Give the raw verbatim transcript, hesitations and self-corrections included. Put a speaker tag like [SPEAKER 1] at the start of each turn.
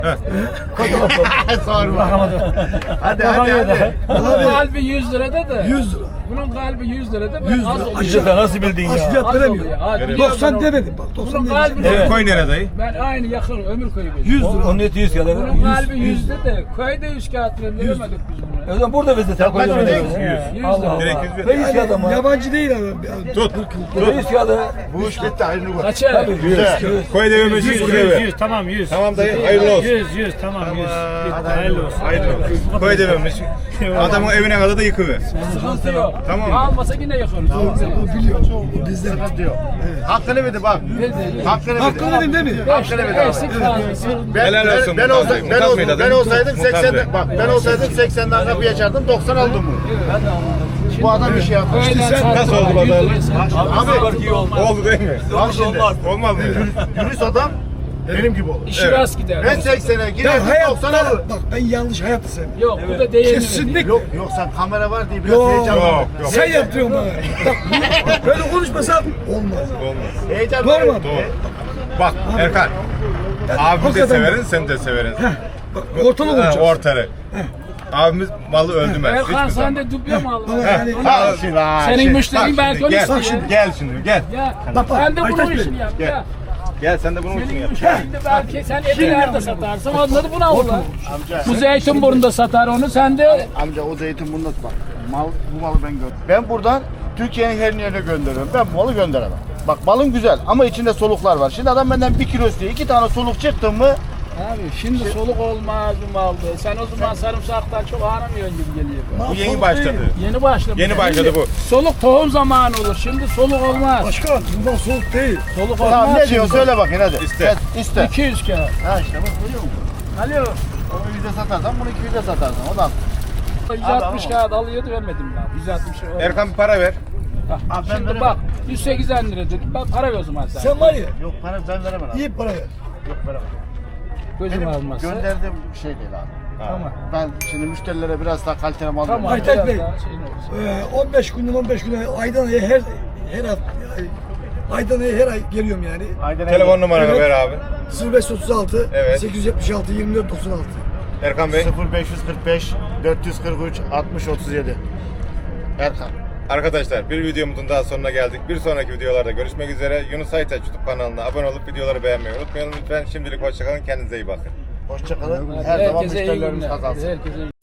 [SPEAKER 1] Sorma. Hadi hadi hadi.
[SPEAKER 2] Bunun kalbi yüz lirada da.
[SPEAKER 3] yüz lira.
[SPEAKER 2] Bunun kalbi yüz lirada.
[SPEAKER 3] yüz
[SPEAKER 2] az
[SPEAKER 3] lira.
[SPEAKER 2] oluyor.
[SPEAKER 3] Aşağı
[SPEAKER 4] Nasıl bildin
[SPEAKER 3] az
[SPEAKER 4] ya?
[SPEAKER 3] fiyat
[SPEAKER 2] Az
[SPEAKER 3] veremiyor.
[SPEAKER 2] oluyor. Ha, biliyorum
[SPEAKER 3] doksan
[SPEAKER 2] ben o-
[SPEAKER 3] demedim bak. doksan
[SPEAKER 2] Bunun
[SPEAKER 3] demedim.
[SPEAKER 2] kalbi
[SPEAKER 4] Evet.
[SPEAKER 2] de-
[SPEAKER 4] Koy nerede dayı?
[SPEAKER 2] Ben aynı yakın ömür koyu
[SPEAKER 3] yüz lira.
[SPEAKER 4] Onun eti yüz kağıt.
[SPEAKER 2] Bunun kalbi yüzde de köyde yüz kağıt veremedik biz bunu.
[SPEAKER 4] O zaman burada bizde sen koy.
[SPEAKER 1] Kaç
[SPEAKER 4] Yüz.
[SPEAKER 1] ödeyeceksin?
[SPEAKER 2] Yüz
[SPEAKER 4] Allah
[SPEAKER 2] lira.
[SPEAKER 4] Allah.
[SPEAKER 5] Direkt yüz ver.
[SPEAKER 4] Ne yüz kağıt ama?
[SPEAKER 3] Yabancı değil adam.
[SPEAKER 5] Tut.
[SPEAKER 4] Yüz kağıdı.
[SPEAKER 1] Bu iş bitti hayırlı olsun.
[SPEAKER 2] Kaça?
[SPEAKER 1] Güzel.
[SPEAKER 5] Koy devamı yüz lira ver.
[SPEAKER 6] yüz tamam yüz.
[SPEAKER 5] Tamam dayı hayırlı olsun.
[SPEAKER 6] yüz yüz tamam yüz. Hayırlı olsun.
[SPEAKER 5] Hayırlı olsun. Koy devamı. Adamın evine kadar da yıkıver.
[SPEAKER 2] Sıkıntı yok.
[SPEAKER 5] Tamam.
[SPEAKER 2] Almasa yine yakarız.
[SPEAKER 3] O biliyor. O bizden.
[SPEAKER 1] Diyor. Hakkını verdi bak. Hakkını verdi.
[SPEAKER 3] Hakkını verin değil mi?
[SPEAKER 1] Hakkını verdi abi.
[SPEAKER 2] Eksik fazlası.
[SPEAKER 1] Ben,
[SPEAKER 5] Helal
[SPEAKER 1] ben,
[SPEAKER 5] olsun
[SPEAKER 1] ben,
[SPEAKER 5] Murat
[SPEAKER 1] olsa,
[SPEAKER 5] Bey.
[SPEAKER 1] ben,
[SPEAKER 5] Murat
[SPEAKER 1] olsa,
[SPEAKER 5] Bey de
[SPEAKER 1] ben
[SPEAKER 5] adam.
[SPEAKER 1] olsaydım
[SPEAKER 5] Murat
[SPEAKER 1] seksen
[SPEAKER 5] Bey.
[SPEAKER 1] bak ben olsaydım seksenden kapıyı açardım doksan aldım bunu. Bu adam bir şey yapmış.
[SPEAKER 5] Nasıl oldu pazarlık?
[SPEAKER 1] Abi
[SPEAKER 5] Oldu değil mi?
[SPEAKER 1] bak şimdi
[SPEAKER 5] Olmaz mı?
[SPEAKER 1] dürüst adam benim gibi olur.
[SPEAKER 2] İşi rast gider.
[SPEAKER 1] Ben seksene
[SPEAKER 3] Ya
[SPEAKER 1] girerdim doksan
[SPEAKER 3] hayatta
[SPEAKER 1] alır.
[SPEAKER 3] bak ben yanlış hayatı sevmem.
[SPEAKER 2] Yok bu da değerli.
[SPEAKER 3] Kesinlikle.
[SPEAKER 1] Yok yok sen kamera var diye biraz
[SPEAKER 3] Yok.
[SPEAKER 1] heyecanlandım.
[SPEAKER 5] Yok yok.
[SPEAKER 3] Sen yaptırıyorsun bana. Bak bu- böyle konuşmasam olmaz.
[SPEAKER 5] Olmaz.
[SPEAKER 1] Heyecan
[SPEAKER 3] Doğru mu?
[SPEAKER 5] Doğru. Bak Erkan. Abimi de
[SPEAKER 3] hakikaten-
[SPEAKER 5] severin, sen de severin.
[SPEAKER 3] Bak ortalık
[SPEAKER 5] Ha,
[SPEAKER 3] olacağız.
[SPEAKER 5] ortarı. Abimiz malı öldürmez.
[SPEAKER 2] Erkan
[SPEAKER 5] Hiçbir
[SPEAKER 2] sen
[SPEAKER 5] zaman.
[SPEAKER 2] de duble mi aldın?
[SPEAKER 3] Bana yani
[SPEAKER 5] Ha, şimdi, ha,
[SPEAKER 2] Senin
[SPEAKER 5] şimdi,
[SPEAKER 2] müşterin
[SPEAKER 5] bak
[SPEAKER 2] belki
[SPEAKER 5] şimdi,
[SPEAKER 2] onu
[SPEAKER 5] gel,
[SPEAKER 2] istiyor.
[SPEAKER 5] bak şimdi, gel şimdi gel.
[SPEAKER 2] Ya
[SPEAKER 3] Bak, bak,
[SPEAKER 2] sen de
[SPEAKER 3] Aytaç
[SPEAKER 2] bunun
[SPEAKER 3] Bey.
[SPEAKER 2] işini yap.
[SPEAKER 5] Gel.
[SPEAKER 2] Ya.
[SPEAKER 5] Gel sen de bunun için
[SPEAKER 2] Senin
[SPEAKER 5] yap.
[SPEAKER 2] müşterin de belki sen eti nerede satarsın onları buna alırlar.
[SPEAKER 1] Amca,
[SPEAKER 2] Bu Zeytinburnu'nda satar onu sen de
[SPEAKER 1] amca o zeytin bunda bak. Mal, bu malı ben gönderiyorum. Ben buradan Türkiye'nin her yerine gönderiyorum. Ben bu malı gönderemem. Bak malın güzel ama içinde soluklar var. Şimdi adam benden bir kilo istiyor. iki tane soluk çıktı mı?
[SPEAKER 2] Abi şimdi soluk olmaz bu malda. Sen o zaman sarımsaktan çok aramıyorsun gibi geliyor.
[SPEAKER 5] Bu yeni başladı.
[SPEAKER 2] Yeni başladı.
[SPEAKER 5] Yeni başladı
[SPEAKER 2] Şimdi
[SPEAKER 5] bu.
[SPEAKER 2] Soluk tohum zamanı olur. Şimdi soluk olmaz.
[SPEAKER 3] Başkan bundan soğuk değil.
[SPEAKER 2] Soluk olmaz.
[SPEAKER 1] Tamam ne
[SPEAKER 2] şimdi.
[SPEAKER 1] diyor söyle bakayım hadi.
[SPEAKER 5] İste.
[SPEAKER 1] Evet, iste.
[SPEAKER 2] iki yüz kağıt.
[SPEAKER 1] Ha işte bak görüyor musun?
[SPEAKER 2] Alo.
[SPEAKER 1] Onu yüze satarsan bunu iki yüze satarsın. O da
[SPEAKER 2] yüz altmış kağıt alıyordu vermedim ben. yüz altmış.
[SPEAKER 5] Erkan bir para ver.
[SPEAKER 2] Bak,
[SPEAKER 1] Abi ben
[SPEAKER 2] şimdi
[SPEAKER 1] veremem.
[SPEAKER 2] bak yüz seksen lira dedim. Bak para ver o zaman sen.
[SPEAKER 3] Sen var ya
[SPEAKER 1] yok para ben veremem abi.
[SPEAKER 3] iyi para ver.
[SPEAKER 1] Yok veremem.
[SPEAKER 2] Gözüm
[SPEAKER 1] Benim
[SPEAKER 2] almazsa.
[SPEAKER 1] gönderdiğim bir şey değil abi.
[SPEAKER 2] Tamam.
[SPEAKER 1] Ben şimdi müşterilere biraz daha kaliteli mal
[SPEAKER 2] Tamam.
[SPEAKER 1] veriyorum.
[SPEAKER 3] Aytaç
[SPEAKER 2] biraz
[SPEAKER 3] Bey.
[SPEAKER 2] daha şeyin olsun.
[SPEAKER 3] Ee, on beş günden on beş günden aydan aya her her hafta ay- aydan aya her ay geliyorum yani.
[SPEAKER 1] Aynen
[SPEAKER 5] Telefon numaranı
[SPEAKER 3] Evet.
[SPEAKER 5] ver abi.
[SPEAKER 3] sıfır beş otuz altı
[SPEAKER 5] Evet.
[SPEAKER 3] sekiz yüz yetmiş altı yirmi dört doksan altı.
[SPEAKER 5] Erkan Bey.
[SPEAKER 1] sıfır beş kırk beş dört yüz kırk üç altmış otuz yedi. Erkan.
[SPEAKER 5] Arkadaşlar bir videomuzun daha sonuna geldik. Bir sonraki videolarda görüşmek üzere. Yunus Aytaç YouTube kanalına abone olup videoları beğenmeyi unutmayalım lütfen. Şimdilik hoşçakalın. Kendinize iyi bakın.
[SPEAKER 1] Hoşçakalın. Her zaman
[SPEAKER 2] Herkese iyi
[SPEAKER 1] müşterilerimiz
[SPEAKER 2] günler.
[SPEAKER 1] kazansın.
[SPEAKER 2] Herkese iyi